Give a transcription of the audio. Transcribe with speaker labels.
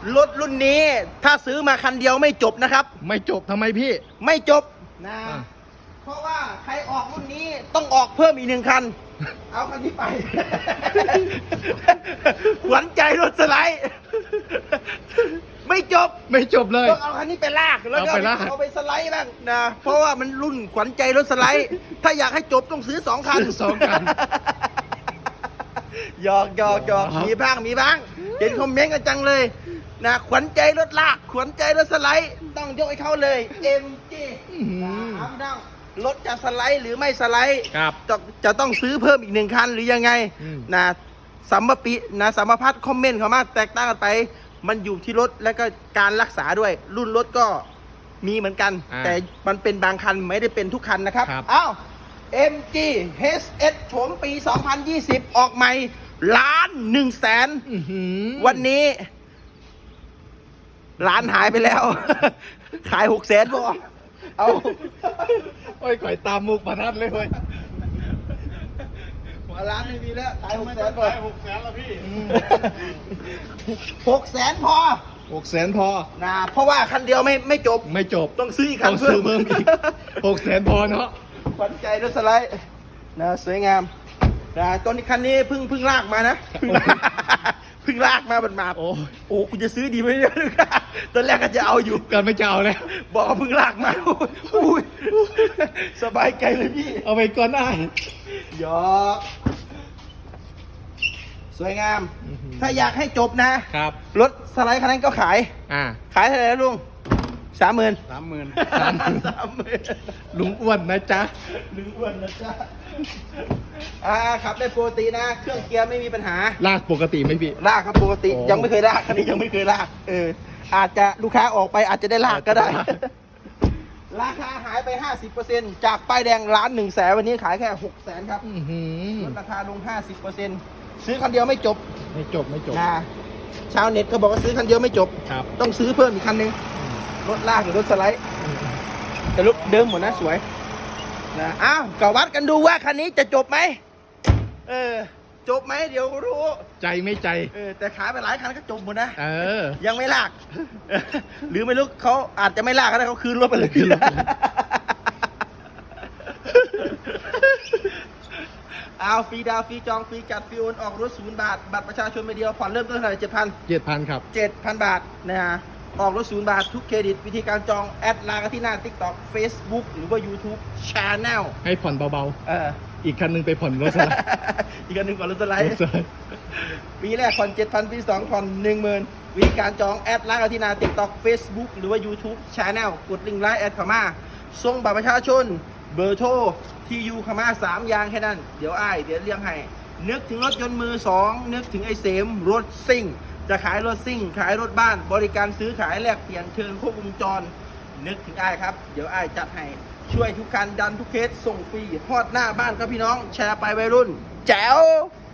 Speaker 1: รถรุ่นนี้ถ้าซื้อมาคันเดียวไม่จบนะครับ
Speaker 2: ไม่จบทำไมพี่
Speaker 1: ไม่จบนะเพราะว่าใครออกรุ่นนี้ต้องออกเพิ่มอีก1 คัน เอาคันนี้ไป ขวัญใจรถสไลด์ไม่จบ
Speaker 2: ไม่จบเลย
Speaker 1: ต้องเอาคันนี้ไปลากแล้วก็
Speaker 2: เอาไปลาก
Speaker 1: เอาไปสไลด์บ้างนะเพราะว่ามันรุ่นขวัญใจรถสไลด์ ถ้าอยากให้จบต้องซื้อ2 คัน
Speaker 2: ซื้อ2 คัน
Speaker 1: หยอกมีบ้างเห็นคอมเมนต์กันจังเลยนะขวัญใจรถลากขวัญใจรถสไลด์ต้องยกให้เขาเลย MG ถามดังรถจะสไลด์หรือไม่สไลด์
Speaker 2: ครับ
Speaker 1: จะต้องซื้อเพิ่มอีก1 คันหรือยังไงนะสัมมพัทธ์คอมเมนต์เขามาแตกต่างกันไปมันอยู่ที่รถและก็การรักษาด้วย รุ่นรถก็มีเหมือนกัน แต่มันเป็นบางคันไม่ได้เป็นทุกคันนะครับอ้าว MG HS โฉมปี 2020 ออกใหม่1,100,000วันนี้ร้านหายไปแล้ว ขาย600,000พอเอา
Speaker 2: โอ้ยก่อยตามมุกประทัดเลยเว้ย
Speaker 1: หัวร้านไม่มีแล้วขาย600,000พอ
Speaker 3: 600,000แล้วพี่
Speaker 1: 600,000พอ
Speaker 2: 600,000พอ
Speaker 1: นะเพราะว่าคันเดียวไม่จบ
Speaker 2: ไม่จบ
Speaker 1: ต้องซื้ออีกคั
Speaker 2: ต้
Speaker 1: น
Speaker 2: องซื้อเพิ่มอีก 600,000พอเนาะ
Speaker 1: ขวัญใจรถสไลด์นะสวยงามนะตอนนี้คันนี้เพิ่งลากมานะเพิ่งลากมาบัดมา
Speaker 2: โอ้
Speaker 1: โอ้คุณจะซื้อดีไหมเนี่ยตอนแรกก็จะเอาอยู่
Speaker 2: กันไม่จะเอาแล้ว
Speaker 1: บอกว่าเพิ่งลากมาอุ้ยสบายใจเลยพี่
Speaker 2: เอาไปก่อนได้
Speaker 1: หยอกสวยงาม ถ้าอยากให้จบนะครับ รถสไลด์คันนั้นก็ขาย ขายเท่าไหร่นะลุง30,000
Speaker 2: ลุงอ้วนนะจ๊ะ
Speaker 1: ลุงอ้วนนะจ๊ะขับได้ปกตินะ เครื่องเกียร์ไม่มีปัญหา
Speaker 2: ลากปกติไหมพี่
Speaker 1: ลากครับปกติ
Speaker 2: โอ้
Speaker 1: ยังไม่เคยลากคันนี้ยังไม่เคยลากอาจจะลูกค้าออกไปอาจจะได้ลากก็ได้ ราคาหายไป 50%จากป้ายแดง1,100,000วันนี้ขายแค่600,000ครับลดราคาลง 50%ซื้อคันเดียวไม่จบ
Speaker 2: ไม่จบ
Speaker 1: นะชาวเน็ตเขาบอกว่าซื้อคันเดียวไม่จบ
Speaker 2: ครับ
Speaker 1: ต้องซื้อเพิ่มอีกคันหนึงรถลากหรือรถสไลด์แต่รถเดิมหมดนะสวยนะอ้าวก็วัดกันดูว่าคันนี้จะจบไหมจบไหมเดี๋ยวรู้
Speaker 2: ใจไม่ใจ
Speaker 1: แต่ขายไปหลายคันก็จบหมดนะ
Speaker 2: ยั
Speaker 1: ยังไม่ลาก หรือไม่รู้เขาอาจจะไม่ลากก็ได้เขาคืนรถไปเลยเอาฟรีดาวฟรีจองฟรีจัดฟรีโอนออกรถ0 บาทบัตรประชาชนใบเดียวผ่อนเริ่มต้นเท่าไหร่
Speaker 2: 7,000ครับ
Speaker 1: 7,000 บาทนะฮะออกรถ0 บาททุกเครดิตวิธีการจองแอดไลน์กันที่หน้า TikTok Facebook หรือว่า YouTube Channel
Speaker 2: ให้ผ่อนเบา ๆ อีกคันหนึงไปผ่อนรถสไลด์
Speaker 1: อีกอันหนึ่งก่อนรถสไลด์ ปีแรกผ่อน 7,000 ปี 2ผ่อน 10,000 วิธีการจองแอดไลน์กันที่หน้า TikTok Facebook หรือว่า YouTube Channel กดลิงก์ไลน์แอดเข้ามาส่งบัตรประชาชนเบอร์โทรที่อยู่เข้ามา3 อย่างแค่นั้น เดี๋ยวเรียงให้นึกถึงรถยนต์มือ 2นึกถึงไอ้เสมรถซิ่งจะขายรถซิ่งขายรถบ้านบริการซื้อขายแลกเปลี่ยนเชิญครบวงจรนึกถึงครับเดี๋ยวจัดให้ช่วยทุกการดันทุกเคสส่งฟรีฮอดหน้าบ้านครับพี่น้องแชร์ไปวัยรุ่นแจ๋ว